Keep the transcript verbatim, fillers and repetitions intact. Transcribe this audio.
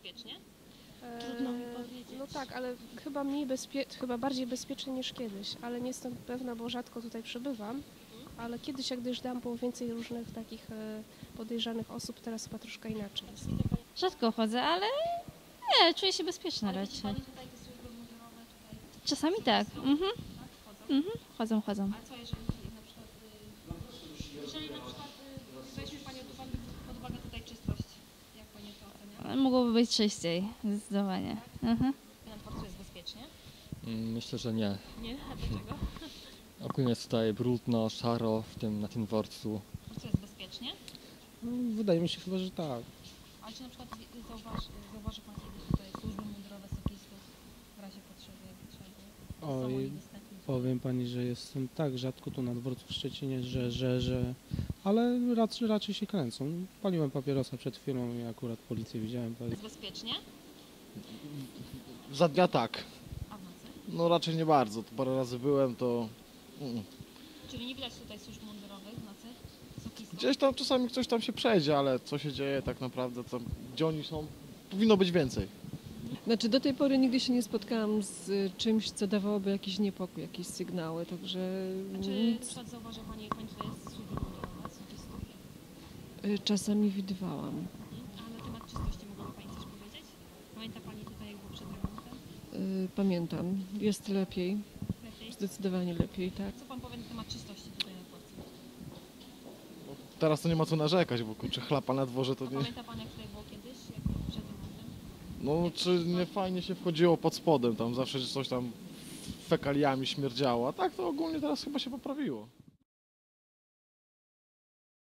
bezpiecznie? E, Trudno mi powiedzieć. No tak, ale chyba mniej bezpie... chyba bardziej bezpiecznie niż kiedyś, ale nie jestem pewna, bo rzadko tutaj przebywam. Ale kiedyś, jak dojeżdżałam, było więcej różnych takich e, podejrzanych osób, teraz chyba troszkę inaczej jest. Rzadko chodzę, ale nie, czuję się bezpieczna Ale widzi raczej. Pani tutaj te służby mundurowe tutaj? Czasami tak. Mhm. Tak? Chodzą? Mhm. Chodzą, chodzą. A co jeżeli na przykład, y, jeżeli na przykład y, weźmie Pani pod uwagę, pod uwagę tutaj czystość, jak Pani to ocenia? Mogłoby być czyściej, zdecydowanie. Mhm. Na dworcu jest bezpiecznie? Mm, Myślę, że nie. Nie? A dlaczego? Ogólnie jest tutaj brudno, szaro w tym, na tym dworcu. A co jest bezpiecznie? No, wydaje mi się chyba, że tak. Ale czy na przykład zauważy, zauważy Pan kiedyś tutaj służby mundurowe sokistów w razie potrzeby, jakby trzeba było? Są oni Oj, dostępni? powiem pani, że jestem tak rzadko tu na dworcu w Szczecinie, że, że, że... Ale raczej, raczej się kręcą. Paliłem papierosa przed chwilą i akurat policję widziałem. Jest bezpiecznie? Za dnia tak. A w nocy? No raczej nie bardzo. To parę razy byłem, to... Mm. Czyli nie widać tutaj służb mundurowych w nocy? Sokistów? Gdzieś tam czasami ktoś tam się przejdzie, ale co się dzieje tak naprawdę, tam, gdzie oni są, powinno być więcej. Znaczy do tej pory nigdy się nie spotkałam z y, czymś, co dawałoby jakiś niepokój, jakieś sygnały, także A czy na nic. przykład zauważy Pani, jak Pani tutaj jest służby mundurowe sokistów? Y, Czasami widywałam. Mhm. A na temat czystości mogłaby Pani coś powiedzieć? Pamięta Pani tutaj jak było przed remontem? Y, Pamiętam, jest lepiej, Lepiej? zdecydowanie lepiej, tak. Co Pan powie na temat czystości tutaj na dworcu? Teraz to nie ma co narzekać, bo kurczę, chlapa na dworze to A nie... pamięta Pan jak tutaj było kiedyś, jak było przed remontem? No czy nie fajnie się wchodziło pod spodem, tam zawsze coś tam fekaliami śmierdziało, a tak to ogólnie teraz chyba się poprawiło.